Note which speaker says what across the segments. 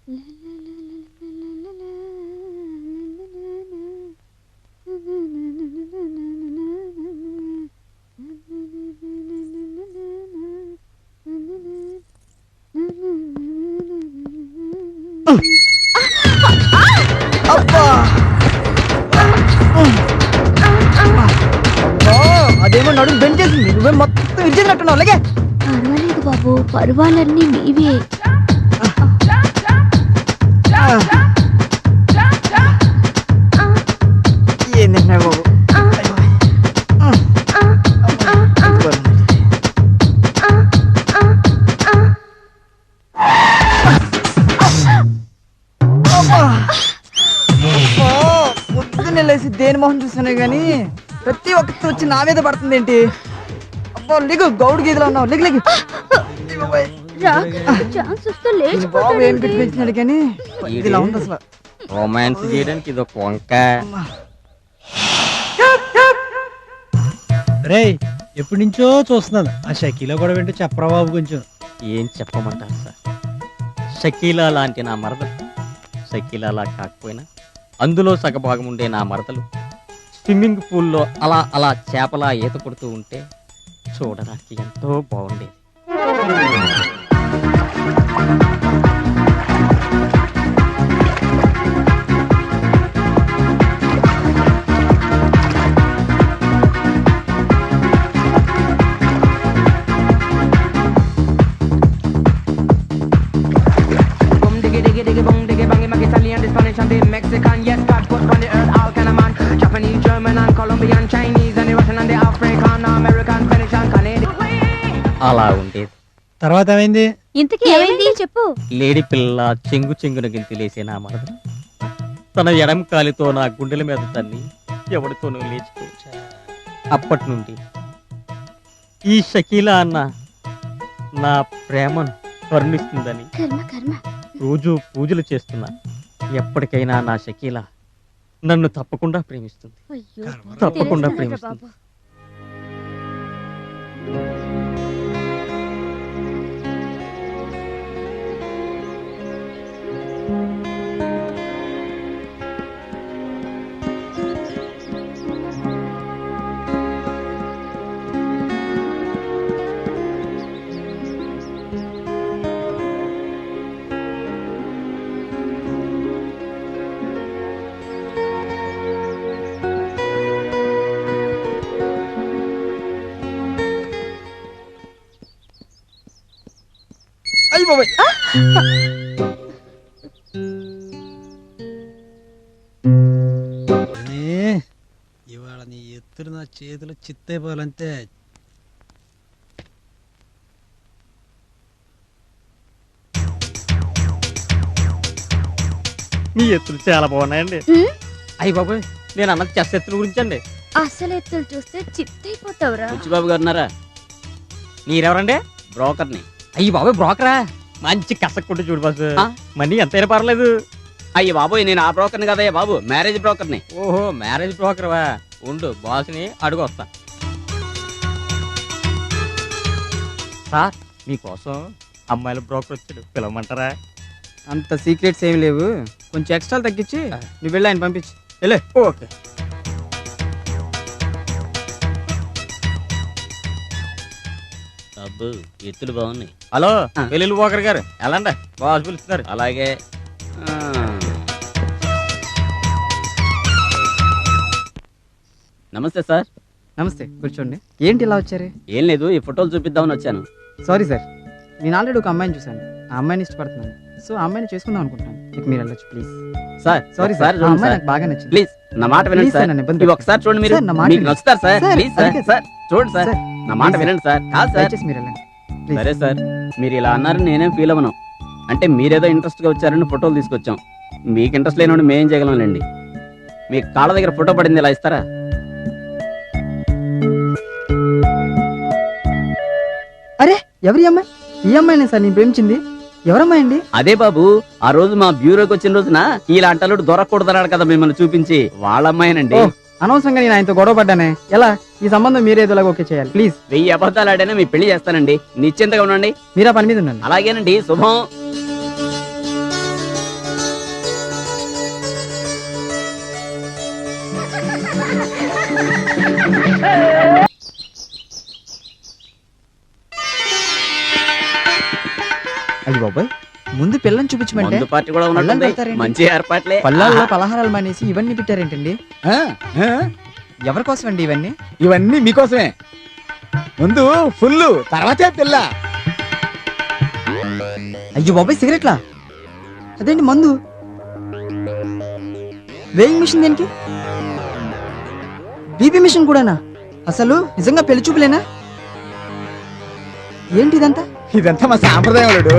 Speaker 1: అదేమో నడుము బెండ్ చేసింది, నువ్వే మొత్తం ఇచ్చేసినట్టున్నావు. అలాగే
Speaker 2: పర్వాలేదు బాబు, పర్వాలన్నీ నీవే.
Speaker 1: ఏంటన్నా బాబు, పొద్దున్నే లేసి దేని మొహం చూస్తున్నాయి కానీ ప్రతి ఒక్కటి వచ్చి నా మీద పడుతుంది ఏంటి? అబ్బా లిగు, గౌడు గీతలో ఉన్నావు, లిగు లిగు. బాబు ఏం పిచ్చిపెచ్చినాడు కానీ ఇలా ఉంది అసలు.
Speaker 3: రొమాన్స్ చేయడానికి ఇది ఒక వంక.
Speaker 4: రే ఎప్పటి నుంచో చూస్తున్నాను ఆ షకీలా కూడా వింటూ చెప్పరా బాబు కొంచెం.
Speaker 3: ఏం చెప్పమంటారు సార్, షకీలా లాంటి నా మరదలు, షకీలాలా కాకపోయినా అందులో సగభాగం ఉండే నా మరదలు స్విమ్మింగ్ పూల్లో అలా అలా చేపలా ఈత కొడుతూ ఉంటే చూడడానికి ఎంతో బాగుండేది.
Speaker 5: Mexican, yes, God put on the earth all kind of man. Japanese, German and Colombian, Chinese and the Russian and the African, American, Spanish and Canadian.
Speaker 3: అలా ఉండేది.
Speaker 4: తర్వాత ఏమైంది?
Speaker 2: ఇంతకీ ఏమైంది చెప్పు.
Speaker 3: లేడి పిల్ల చెంగు చెంగున గింతిలేసే నా మరదలు తన ఎడం కాలితో నా గుండెల మీద తన్ని ఎవరితోనూ లేచిపోయా. అప్పటి నుండి ఈ షకీలా అన్న నా ప్రేమను కరుణిస్తుందని రోజు పూజలు చేస్తున్నా. ఎప్పటికైనా నా షకీలా నన్ను తప్పకుండా ప్రేమిస్తుంది, తప్పకుండా ప్రేమిస్తుంది.
Speaker 1: అయ్యి బాబాయ్,
Speaker 4: ఇవాళ నీ ఎత్తులు నా చేతులు చిత్తైపోవాలంతే.
Speaker 3: మీ ఎత్తులు చాలా బాగున్నాయండి. అయ్యి బాబాయ్, నేను అన్నది చెస్ ఎత్తుల గురించి అండి.
Speaker 2: అసలు ఎత్తులు చూస్తే చిత్తైపోతావురా.
Speaker 3: బాబు గారున్నారా? మీరెవరండి? బ్రోకర్ని. అయ్యి బాబాయ్, బ్రోకరా? మంచి కసక్కుంటే చూడు బాసు, మనీ ఎంతైనా పర్లేదు.
Speaker 6: అయ్యి బాబోయ్, నేను ఆ బ్రోకర్ని కదయ్యా బాబు, మ్యారేజ్ బ్రోకర్ని.
Speaker 3: ఓహో, మ్యారేజ్ బ్రోకర్వా? ఉండు, బాస్ని అడుగు వస్తా. సార్, మీకోసం అమ్మాయిల బ్రోకర్ వచ్చాడు, పిలవమంటారా?
Speaker 1: అంత సీక్రెట్స్ ఏమి లేవు, కొంచెం ఎక్స్ట్రా తగ్గించి నువ్వు వెళ్ళి ఆయన పంపించు. వెళ్ళే.
Speaker 3: ఓకే.
Speaker 6: అబ్బు, ఎత్తులు బాగున్నాయి.
Speaker 3: హలో, వెల్లుల్లి బ్రోకర్ గారు, ఎలాండి? బాస్ పిలుస్తున్నారు.
Speaker 6: అలాగే. నమస్తే సార్.
Speaker 1: నమస్తే, కూర్చోండి. ఏంటి ఇలా వచ్చారు?
Speaker 6: ఏం లేదు, ఈ ఫోటోలు చూపిద్దామని వచ్చాను.
Speaker 1: సారీ సార్, నేను ఆల్రెడీ ఒక అమ్మాయిని చూశాను, ఆ అమ్మాయిని ఇష్టపడుతున్నాను, సో ఆ అమ్మాయిని చేసుకుందాం అనుకుంటాను. ఇక మీరు వెళ్ళొచ్చు ప్లీజ్.
Speaker 6: సార్
Speaker 1: సారీ సార్, ఆ అమ్మాయి నాకు బాగా నచ్చింది.
Speaker 6: ప్లీజ్ నా మాట వినండి సార్, ఇవి ఒకసారి చూడండి. మీరు మీకు నచ్చుతారు సార్, ప్లీజ్ సార్. సార్ చూడండి సార్, నా మాట వినండి సార్. కాదు సార్,
Speaker 1: మీరు వెళ్ళండి.
Speaker 6: సరే సార్, మీరు ఇలా అన్నారని నేనేం ఫీల్ అవ్వను. అంటే మీరేదో ఇంట్రెస్ట్ గా వచ్చారని ఫోటోలు తీసుకొచ్చాం. మీకు ఇంట్రెస్ట్ లేని మేం చేయగలంలేండి. మీ కాళ్ళ దగ్గర ఫోటో పడింది, ఇలా ఇస్తారా?
Speaker 1: అరే, ఎవరి అమ్మాయి? ఈ అమ్మాయినే సార్ నేను ప్రేమించింది. ఎవరమ్మాయి అండి?
Speaker 6: అదే బాబు, ఆ రోజు మా బ్యూరోకి వచ్చిన రోజున ఇలాంటి అల్లుడు దొరకకూడదన్నాడు కదా మిమ్మల్ని చూపించి, వాళ్ళ అమ్మాయినండి.
Speaker 1: అనవసరంగా నేను ఆయనతో గొడవ పడ్డానే. ఎలా ఈ సంబంధం మీరేదోలాగా ఓకే చేయాలి ప్లీజ్.
Speaker 6: 1000 అబద్ధాలు ఆడైనా మీ పెళ్లి చేస్తానండి, నిశ్చింతగా ఉండండి.
Speaker 1: మీరు ఆ పని మీద ఉండండి.
Speaker 6: అలాగేనండి, శుభం.
Speaker 1: అది బాబాయ్ ముందు పిల్లని చూపించమంటే
Speaker 6: మందు పార్టీ కూడా
Speaker 1: పళ్ళాలు
Speaker 6: ఉన్నట్టుంది.
Speaker 1: పెడతారేంటి?
Speaker 6: మంచి ఏర్పాట్లే.
Speaker 1: పళ్ళాల్లో పలహారాలు మానేసి ఇవన్నీ పెట్టారేంటండి?
Speaker 7: ఆ, ఆ,
Speaker 1: ఎవరి కోసం అండి ఇవన్నీ?
Speaker 7: ఇవన్నీ మీకోసమే. ముందు ఫుల్, తర్వాతే పిల్ల.
Speaker 1: అయ్యో బాబాయ్ సిగరెట్లా? అదేంటి మందు? వేయింగ్ మిషన్ దేనికి? బీపీ మిషన్ కూడానా? అసలు నిజంగా పెళ్లి చూపులేనా? ఏంటి ఇదంతా?
Speaker 7: ఇదంతా మా సాంప్రదాయం అల్లుడు.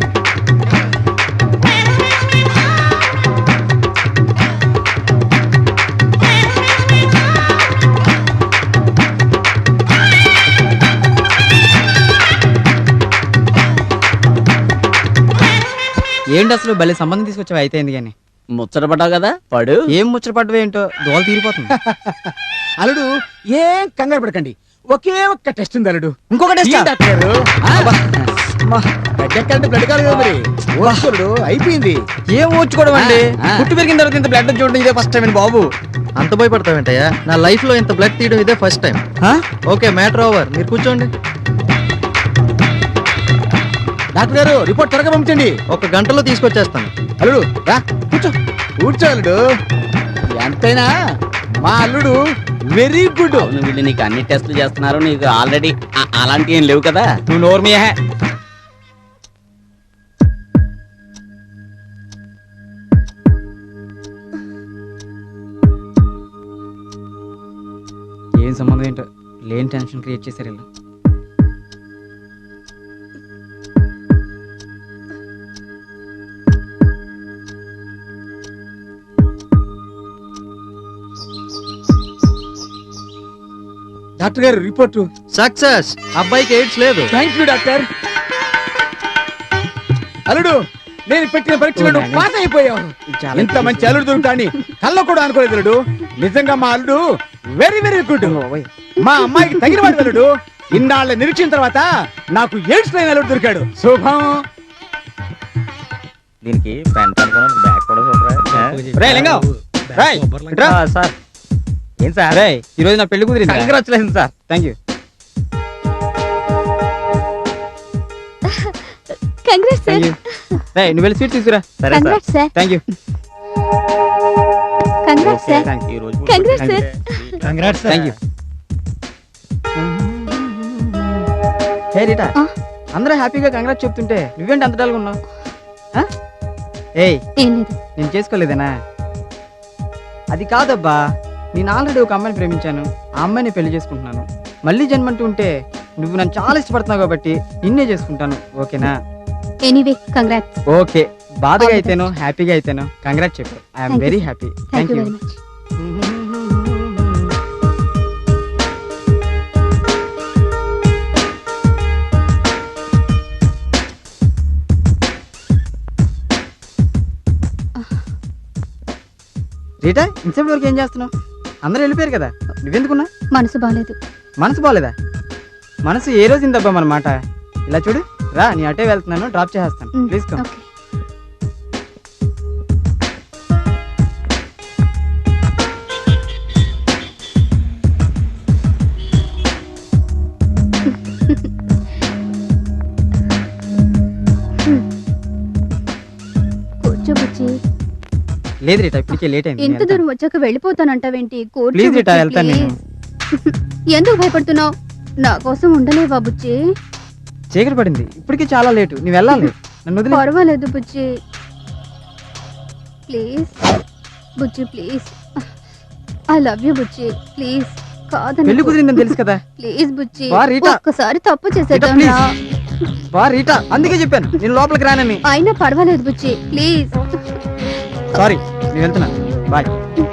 Speaker 1: ఏంటి అసలు భలే సంబంధం తీసుకొచ్చావు అయితే ఎందుకు కానీ?
Speaker 6: ముచ్చట పడ్డావు కదా పడు.
Speaker 1: ఏం ముచ్చటపడ్డవే ఏంటో దోల తీరిపోతుంది.
Speaker 7: అల్లుడు ఏం కంగారు పడకండి, ఒకే ఒక్క టెస్ట్ ఉంది అల్లుడు.
Speaker 1: ఇంకొక టెస్ట్?
Speaker 7: ఈ డాక్టర్ గారు, బ్లడ్ ఎక్కాలంటే బ్లడ్ కాదు కదా మరి. అల్లుడు అయిపోయింది.
Speaker 1: ఏం ఊడ్చుకోవడం అండి?
Speaker 7: ఆ.
Speaker 1: పుట్టి పెరిగిన తర్వాత ఇంత బ్లడ్ చూడడం ఇదే ఫస్ట్ టైం అండి బాబు.
Speaker 8: అంత భయపడతావేంటయ్యా? నా లైఫ్ లో ఇంత బ్లడ్ తీయడం ఇదే first time. Okay, matter over. మీరు కూర్చోండి.
Speaker 7: డాక్టర్ గారు రిపోర్ట్ త్వరగా పంపించండి.
Speaker 8: 1 గంటలో తీసుకొచ్చేస్తాను.
Speaker 7: అల్లుడు రా కూర్చో. కూర్చో అల్లుడు. ఎంతైనా మా అల్లుడు వెరీ గుడ్.
Speaker 6: అవును, వీళ్ళు నీకు అన్ని టెస్టులు చేస్తున్నారు. నీకు ఆల్రెడీ అలాంటివి ఏం లేవు కదా.
Speaker 1: నువ్వు నోరు మీయా. ఏం సంబంధం ఏంటో లేని టెన్షన్ క్రియేట్ చేశారు ఇలా.
Speaker 7: డాక్టర్ గారు రిపోర్టు.
Speaker 8: సక్సెస్. అబ్బాయికి ఎయిడ్స్ లేదు.
Speaker 7: Thank you doctor. అల్లుడు నేను పెట్టిన పరీక్షలను
Speaker 1: ఓ నాయనా.
Speaker 7: పాస్ అయిపోయావు.
Speaker 1: చాలా
Speaker 7: ఇంత మంచి అల్లుడు దొరుకుతాని కళ్ళ కూడా అనుకోలేదు అల్లుడు. నిజంగా మా అల్లుడు వెరీ వెరీ గుడ్.
Speaker 1: బాబోయ్.
Speaker 7: మా అమ్మాయికి తగిన వాడు అల్లుడు. ఇన్నాళ్ళ నిరీక్షణ తర్వాత నాకు ఎయిడ్స్ లేని అల్లుడు దొరికాడు. శుభం.
Speaker 3: దీనికి ప్యాంట్ అనుకున్నాను, బ్యాగ్ కూడా సూపర్.
Speaker 1: రేయ్ లింగం, రేయ్, ఇట్రా.
Speaker 3: సార్ ఏం సార్?
Speaker 1: అరే ఈ రోజు నా పెళ్లి కుదిరింది.
Speaker 3: Congratulation sir.
Speaker 1: Thank you.
Speaker 2: Congrats
Speaker 1: thank
Speaker 2: sir.
Speaker 1: You. రేయ్ నువ్వు వెళ్ళి స్వీట్ తీసుకురా.
Speaker 3: సరే sir.
Speaker 2: Congrats sir.
Speaker 1: Thank you.
Speaker 2: Congrats sir.
Speaker 3: ఈ రోజు
Speaker 2: Congrats, sir.
Speaker 1: Thank you. Hey Rita,
Speaker 2: ఆ?
Speaker 1: అందరూ హ్యాపీగా కంగ్రాట్స్ చెప్తుంటే నువ్వేంటి అంత డల్గా ఉన్నావు? ఏయ్
Speaker 2: ఏం లేదు.
Speaker 1: నేను చేసుకోలేదేనా? అది కాదబ్బా, నేను ఆల్రెడీ ఒక అమ్మాయిని ప్రేమించాను. ఆ అమ్మాయిని పెళ్లి చేసుకుంటున్నాను. మళ్ళీ జన్మంటూ ఉంటే నువ్వు నన్ను చాలా ఇష్టపడుతున్నావు కాబట్టి నిన్నే చేసుకుంటాను. ఓకేనా?
Speaker 2: Anyway congrats.
Speaker 1: ఓకే. బాధగా
Speaker 2: All the
Speaker 1: అయితేనో హ్యాపీగా అయితేనో కంగ్రాట్స్ చెప్పు. I'm
Speaker 2: Thank you,
Speaker 1: very
Speaker 2: sir.
Speaker 1: Happy.
Speaker 2: Thank
Speaker 1: thank
Speaker 2: you
Speaker 1: you.
Speaker 2: Very much.
Speaker 1: Rita, ఇంతసేపు వరకు ఏం చేస్తున్నావు? అందరూ వెళ్ళిపోయారు కదా, నువ్వెందుకున్నా?
Speaker 2: మనసు బాగాలేదు.
Speaker 1: మనసు బాలేదా? మనసు ఏ రోజు ఇందబ్బా మన మాట. ఇలా చూడు, రా నీ అటే వెళ్తున్నాను, డ్రాప్ చేసేస్తాను. Please come.
Speaker 2: ఓకే. కూర్చో బుజ్జి.
Speaker 1: లేదు రీటా, ఇప్పటికే లేట్ అయింది.
Speaker 2: ఇంత దూరం వచ్చాక వెళ్ళిపోతానంటావేంటి? కూర్చో
Speaker 1: ప్లీజ్ రీటా,
Speaker 2: బుజ్జి,
Speaker 1: వెళ్తాను నేను.
Speaker 2: ప్లీజ్. ఎందుకు భయపడుతున్నావు? నా కోసం ఉండలేవా బుజ్జి?
Speaker 1: చీకటి పడింది, ఇప్పటికే చాలా లేటు. నువ్వు వెళ్ళాలి, నన్ను వదిలే.
Speaker 2: పర్వాలేదు బుజ్జి, ప్లీజ్. బుజ్జి ప్లీజ్, ఐ లవ్ యూ బుజ్జి, ప్లీజ్. కాదని
Speaker 1: పెళ్లి కుదిరిందని తెలుసు కదా.
Speaker 2: ప్లీజ్ బుజ్జి,
Speaker 1: వా రీటా.
Speaker 2: ఒక్కసారి తప్పు
Speaker 1: రీటా,
Speaker 2: చేసేద్దాం
Speaker 1: ప్లీజ్.
Speaker 2: రా.
Speaker 1: వా రీటా, అందుకే చెప్పాను నేను లోపలికి రానని.
Speaker 2: అయినా పర్వాలేదు బుజ్జి, ప్లీజ్.
Speaker 1: సారీ, నేను వెళ్తున్నాను. బాయ్.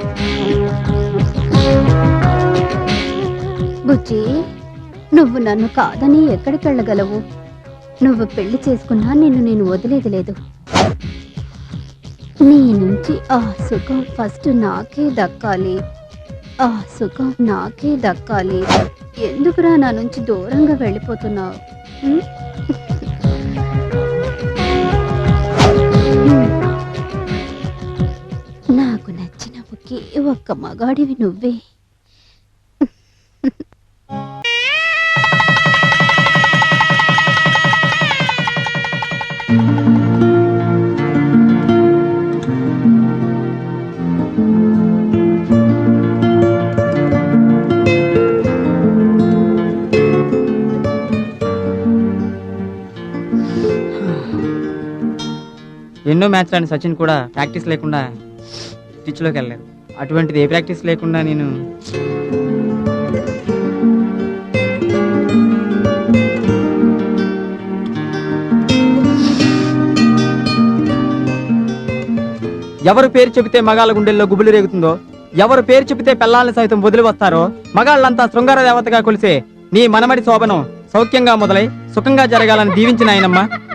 Speaker 2: బుజ్జి, నువ్వు నన్ను కాదని ఎక్కడికి వెళ్ళగలవు? నువ్వు పెళ్లి చేసుకున్నా నిన్ను నేను వదిలేది లేదు. నీ నుంచి ఆ సుఖం ఫస్ట్ నాకే దక్కాలి. ఆ సుఖం నాకే దక్కాలి. ఎందుకురా నా నుంచి దూరంగా వెళ్ళిపోతున్నావు? ఉం? నాకు నచ్చిన ఒకే ఒక్క మగాడివి నువ్వే.
Speaker 1: ఎన్నో మ్యాచ్ ఆడిన సచిన్ కూడా ప్రాక్టీస్ లేకుండా పిచ్లోకి వెళ్ళలేదు. అటువంటిది ఏ ప్రాక్టీస్ లేకుండా నేను ఎవరు పేరు చెబితే మగాళ్ళ గుండెల్లో గుబులు రేగుతుందో, ఎవరు పేరు చెబితే పెళ్ళాలను సైతం వదిలి వస్తారో, మగాళ్ళంతా శృంగార దేవతగా కొలిసే నీ మనమడి శోభనం సౌఖ్యంగా మొదలై సుఖంగా జరగాలని దీవించిన ఆయనమ్మ.